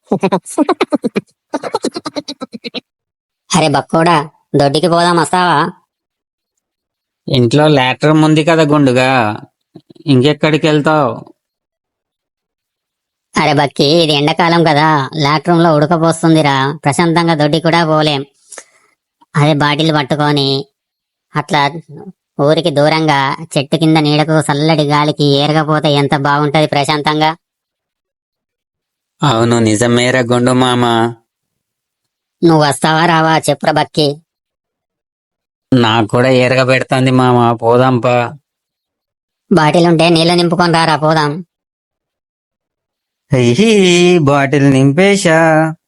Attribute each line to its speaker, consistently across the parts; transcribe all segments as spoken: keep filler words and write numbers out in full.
Speaker 1: అరే బక్కోడా, దొడ్డికి పోదాం, వస్తావా?
Speaker 2: ఇంట్లో లాట్రమ్ ఉంది కదా గుండుగా, ఇంకెక్కడికి వెళ్తావు?
Speaker 1: అరే బక్కి, ఇది ఎండాకాలం కదా, లాట్రూమ్ లో ఉడకపోస్తుందిరా. ప్రశాంతంగా దొడ్డి కూడా పోలేం. అదే బాటిల్ పట్టుకొని అట్లా ఊరికి దూరంగా చెట్టు కింద నీడకు చల్లటి గాలికి ఏరగపోతే ఎంత బాగుంటది ప్రశాంతంగా.
Speaker 2: అవును, నిజమేరా గుండు మామ.
Speaker 1: నువ్వు వస్తావా రావా చెప్పురా బక్కి?
Speaker 2: నాకు కూడా ఏరగ పెడుతుంది మామ, పోదాంపా.
Speaker 1: బాటిల్ ఉంటే నీళ్లు నింపుకొని రారా, పోదాం.
Speaker 2: హీ బాటిల్ నింపేశా.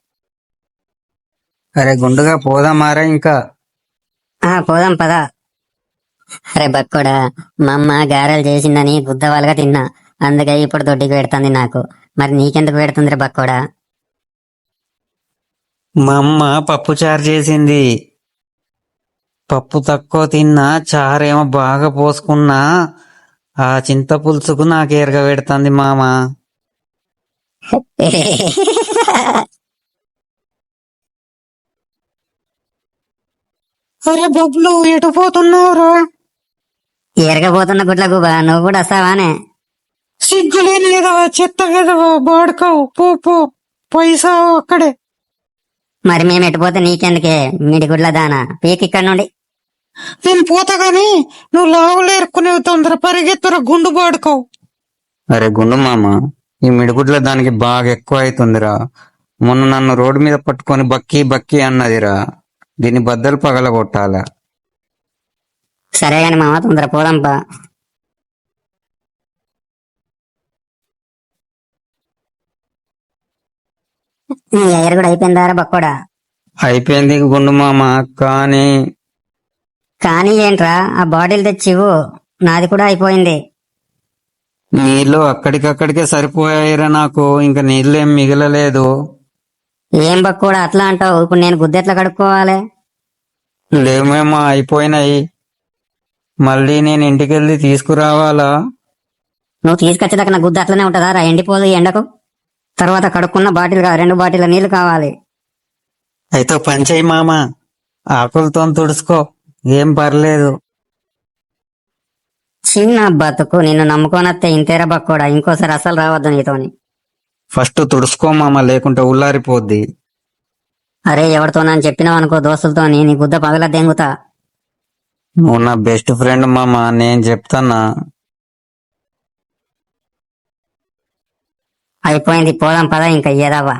Speaker 2: అరే గుండుగా పోదామారా ఇంకా?
Speaker 1: ఆ పోదాం పదా. అరే బక్కోడా, మా అమ్మ గారెలు చేసిందని గుద్దవాలుగా తిన్నా, అందుకే ఇప్పుడు దొడ్డికి పెడుతుంది నాకు. మరి నీకెందుకు పెడుతుంది రే బక్కోడా?
Speaker 2: మా అమ్మ పప్పు చారు చేసింది. పప్పు తక్కువ తిన్నా, చారేమో బాగా పోసుకున్నా. ఆ చింత పులుసుకు నాకు ఎరగ పెడుతుంది మామ. అరే బబ్లు, ఎటు పోతున్నావురా?
Speaker 1: ఎరగబోతున్న గుడ్ల గుబా, నువ్వు కూడా వస్తావానే?
Speaker 2: సిగ్గులేని ఎదవా, చెత్త ఎదవా, బాడుకోవు, పో పో, పైసా అక్కడే.
Speaker 1: మరి మేము ఎటుపోతే నీకెందుకే, మీడి గుడ్ల దానా, పీక్ ఇక్కడ నుండి.
Speaker 2: నేను పోతా గాని నువ్వు లావులు ఏరుకునే తొందర పరిగెత్తురా, గుండు బాడుకోవు. అరే గుండు మామ, ఈ మిడిగుడ్ల దానికి బాగా ఎక్కువ అవుతుందిరా. మొన్న నన్ను రోడ్డు మీద పట్టుకొని బక్కి బక్కి అన్నదిరా. దీన్ని బద్దలు పగల కొట్టాలా.
Speaker 1: సరే గాని మామ, తొందర పోదాంపా. నీ ఎగర కూడా అయిపోయిందారా బక్కోడా?
Speaker 2: అయిపోయింది గుండు మామ, కానీ
Speaker 1: కానీ ఏంట్రా, ఆ బాటిల్ తెచ్చివు, నాది కూడా అయిపోయింది.
Speaker 2: నీళ్లు అక్కడికక్కడికే సరిపోయాయిరా నాకు, ఇంకా నీళ్ళేం మిగలలేదు.
Speaker 1: ఏం బక్కోడా అట్లా అంటావు? ఇప్పుడు నేను గుద్దెట్లా కడుక్కోవాలి?
Speaker 2: లేమేమో అయిపోయినాయి. మళ్ళీ నేను ఇంటికెళ్ళి తీసుకురావాలా?
Speaker 1: నువ్వు తీసుకొచ్చేదాకా నా గుద్ద అట్లనే ఉంటుందా రా, ఎండిపోదు ఈ ఎండకు. తర్వాత కడుక్కున్న బాటిల్ కా రెండు బాటిల్ నీళ్లు కావాలి.
Speaker 2: అయితే పంచేయి మామ, ఆకులతో తుడుచుకో, ఏం పర్లేదు.
Speaker 1: చిన్న బతుకు, నిన్ను నమ్ముకోనత్తే ఇంతేరా బక్కోడా, ఇంకోసారి అసలు రావద్దు నీతోని.
Speaker 2: ఫస్ట్ తుడుచుకో మామ, లేకుంటే ఉల్లారిపోద్ది.
Speaker 1: అరే ఎవరితోనని చెప్పినావు అనుకో, దోస్తులతోని నీ గుద్ద పగల దెంగుతా.
Speaker 2: నువ్వు నా బెస్ట్ ఫ్రెండ్ మామ, నేను చెప్తానా.
Speaker 1: అయిపోయింది, పోదాం పదా ఇంకా ఏదావా.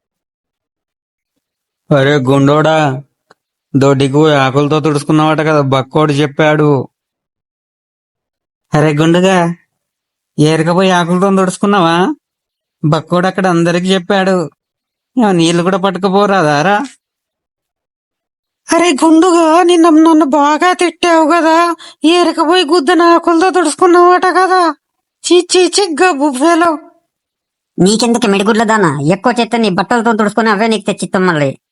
Speaker 2: అరే గుండోడా, దొడ్డికి పోయి ఆకులతో తుడుచుకున్నావట కదా, బక్కోడు చెప్పాడు. అరే గుండుగా, ఏరకపోయి ఆకులతో తుడుచుకున్నావా? బక్కోడు అక్కడ అందరికి చెప్పాడు. నీళ్లు కూడా పట్టుకుపోరాదారా? అరే గుండుగా, నిన్న నన్ను బాగా తిట్టావు కదా, ఏరకపోయి గుద్దన ఆకులతో తుడుచుకున్నావట కదా. చీచి చిగ్గా బుఫేలో.
Speaker 1: నీకెందుకు మిడిగుడ్ల దానా, ఎక్కువ చేస్తే నీ బట్టలతో తుడుచుకుని అవే నీకు తెచ్చిస్తాం మళ్ళీ.